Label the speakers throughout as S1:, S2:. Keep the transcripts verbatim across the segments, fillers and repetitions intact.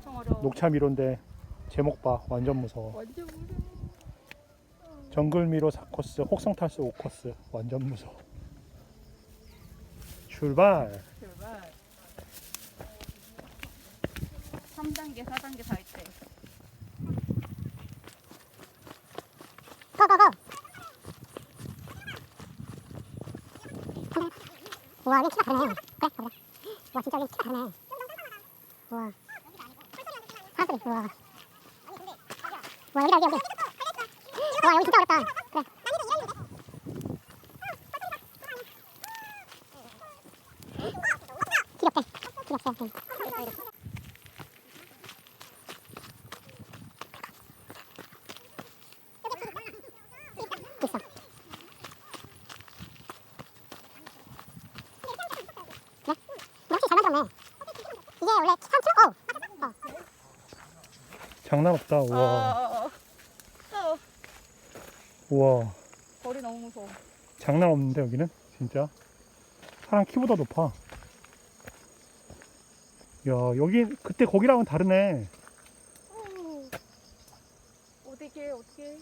S1: 엄청 어려워.
S2: 녹차 미로인데 제목 봐. 완전 무서워.
S1: 완전 무서워.
S2: 정글 미로 사 코스, 혹성 탈수 오 코스. 완전 무서워. 출발.
S1: 제발. 삼 단계, 사 단계 다 있대.
S3: 고고고. 우와, 여기 키가 다르네. 그래, 가보자. 와, 진짜 여기 키가 다르네. 우와. 사람들이, 우와. 와, 여기다, 여기, 여기. 와, 여기 진짜 어렵다. 그래. 길 없대. 길 없어. 응. 있어. 그래? 역시 잘 만들었네. 이게 원래 삼 층? 어. 어.
S2: 장난 없다.
S1: 어,
S2: 우와.
S1: 어, 어. 어.
S2: 우와.
S1: 거리 너무 무서워.
S2: 장난 없는데 여기는 진짜 사람 키보다 높아. 야, 여기 그때 거기랑은 다르네.
S1: 어. 어떻게 어떻게?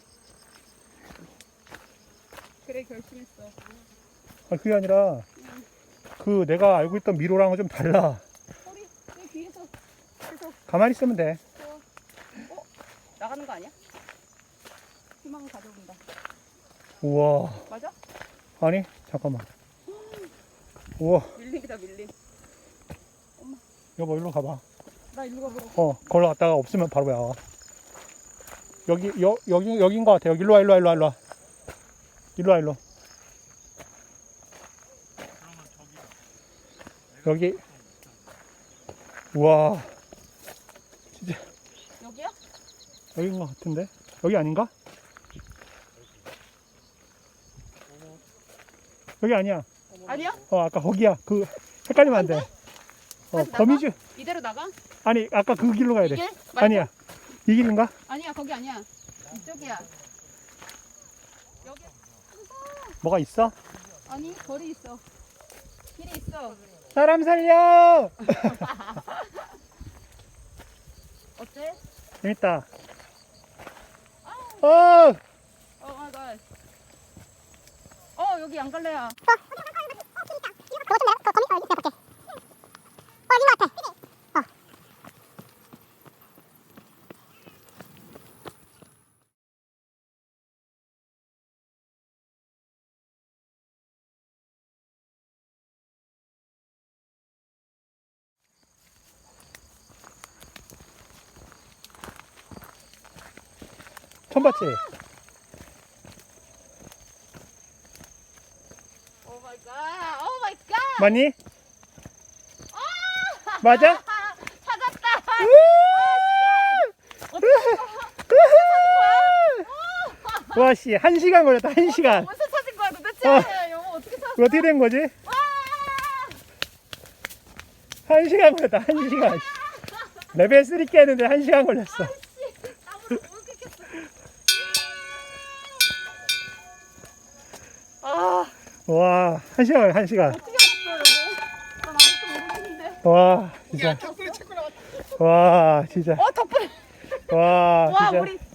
S1: 그래 결심했어.
S2: 아, 그게 아니라 그 내가 알고 있던 미로랑은 좀 달라.
S1: 허리 여기 뒤에서 계속
S2: 가만히 있으면 돼.
S1: 어, 어? 나가는 거 아니야? 희망을 가져온다.
S2: 우와.
S1: 맞아?
S2: 아니, 잠깐만. 우와.
S1: 밀링이다 밀링.
S2: 여보, 일로 가봐.
S1: 나 일로 가보라고.
S2: 어, 걸로 갔다가 없으면 바로 나와. 여기, 여, 여기, 여긴 것 같아. 여기 일로 와, 일로 와, 일로 와, 일로 와. 일로 와, 일로. 여기. 우와. 진짜,
S1: 여기야?
S2: 여긴 것 같은데? 여기 아닌가? 여기 아니야.
S1: 아니야?
S2: 어, 아까 거기야. 그, 헷갈리면 안 돼. 어,
S1: 다시 나가?
S2: 거미줄.
S1: 이대로 나가?
S2: 아니, 아까 그 길로 가야 돼.
S1: 이길? 말고?
S2: 아니야. 이 길인가?
S1: 아니야 거기 아니야. 이쪽이야. 여기
S2: 뭐가 있어?
S1: 아니 거리 있어. 길이 있어.
S2: 사람 살려!
S1: 어때?
S2: 재밌다. 어!
S1: 어 마이 갓. 어 여기 안 갈래야.
S3: 그거 좀 내가, 그 거미, 어, 내가 볼게. 어, 여긴 것 같아. 어.
S2: 처음 봤지?
S1: 오 마이 갓. 오 마이 갓.
S2: 맞니? 맞아?
S1: 아, 찾았다.
S2: 와, 씨, 한 시간 걸렸다, 한 시간.
S1: 어디서 찾은 거야 도대체?
S2: 어.
S1: 여보 어떻게 찾았어?
S2: 이거 어떻게 된 거지?
S1: 와!
S2: 한 시간 걸렸다, 한 시간. 레벨 쓰리 깨는데 한 시간 걸렸어.
S1: 땀을 너무 끓겠어. 아
S2: 와, 한 시간, 걸려, 한 시간.
S1: 어떻게 알았어 여보? 난 아무것도 모르겠는데.
S2: 와, 진짜. 와, 진짜.
S1: 어 덕분에.
S2: 와,
S1: 와
S2: 진짜.
S1: 우리